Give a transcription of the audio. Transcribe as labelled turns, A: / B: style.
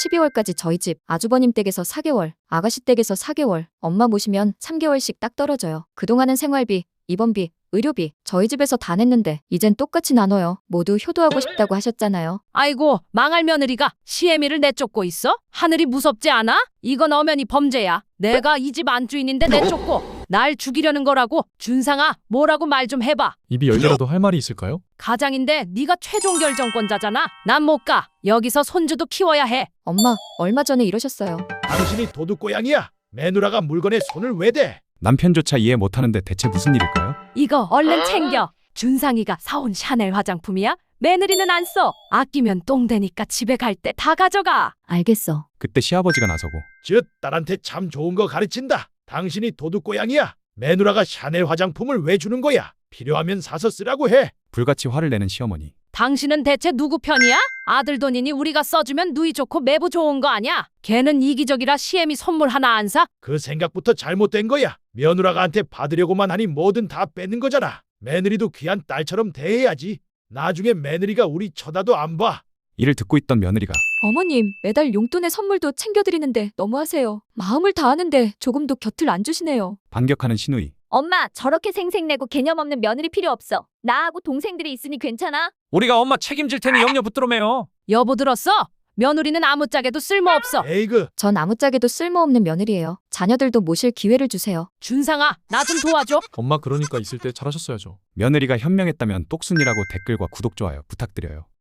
A: 12월까지 저희 집 아주버님 댁에서 4개월, 아가씨 댁에서 4개월, 엄마 모시면 3개월씩 딱 떨어져요. 그동안은 생활비, 입원비, 의료비 저희 집에서 다 냈는데 이젠 똑같이 나눠요. 모두 효도하고 싶다고 하셨잖아요.
B: 아이고, 망할 며느리가 시애미를 내쫓고 있어? 하늘이 무섭지 않아? 이건 엄연히 범죄야. 내가 이 집 안주인인데 내쫓고 날 죽이려는 거라고. 준상아, 뭐라고 말 좀 해봐.
C: 입이 열리라도 할 말이 있을까요?
B: 가장인데 네가 최종 결정권자잖아. 난 못 가. 여기서 손주도 키워야 해.
A: 엄마, 얼마 전에 이러셨어요.
D: 당신이 도둑고양이야. 매누라가 물건에 손을 왜 대?
E: 남편조차 이해 못하는데 대체 무슨 일일까요?
B: 이거 얼른 챙겨. 준상이가 사온 샤넬 화장품이야? 며느리는 안 써. 아끼면 똥 되니까 집에 갈 때 다 가져가.
A: 알겠어.
E: 그때 시아버지가 나서고
D: 저 딸한테 참 좋은 거 가르친다. 당신이 도둑고양이야. 매누라가 샤넬 화장품을 왜 주는 거야? 필요하면 사서 쓰라고 해.
E: 불같이 화를 내는 시어머니.
B: 당신은 대체 누구 편이야? 아들 돈이니 우리가 써주면 누이 좋고 매부 좋은 거 아냐? 걔는 이기적이라 시애미 선물 하나 안 사?
D: 그 생각부터 잘못된 거야. 며누라가한테 받으려고만 하니 뭐든 다 뺏는 거잖아. 며느리도 귀한 딸처럼 대해야지. 나중에 며느리가 우리 쳐다도 안 봐.
E: 이를 듣고 있던 며느리가
A: 어머님, 매달 용돈에 선물도 챙겨드리는데 너무하세요. 마음을 다하는데 조금도 곁을 안 주시네요.
E: 반격하는 시누이.
F: 엄마, 저렇게 생색내고 개념 없는 며느리 필요 없어. 나하고 동생들이 있으니 괜찮아?
G: 우리가 엄마 책임질 테니 염려 붙들어 매요.
B: 여보 들었어? 며느리는 아무짝에도 쓸모없어.
D: 에이그,
A: 전 아무짝에도 쓸모없는 며느리예요. 자녀들도 모실 기회를 주세요.
B: 준상아, 나 좀 도와줘.
C: 엄마 그러니까 있을 때 잘하셨어야죠.
E: 며느리가 현명했다면 똑순이라고 댓글과 구독 좋아요 부탁드려요.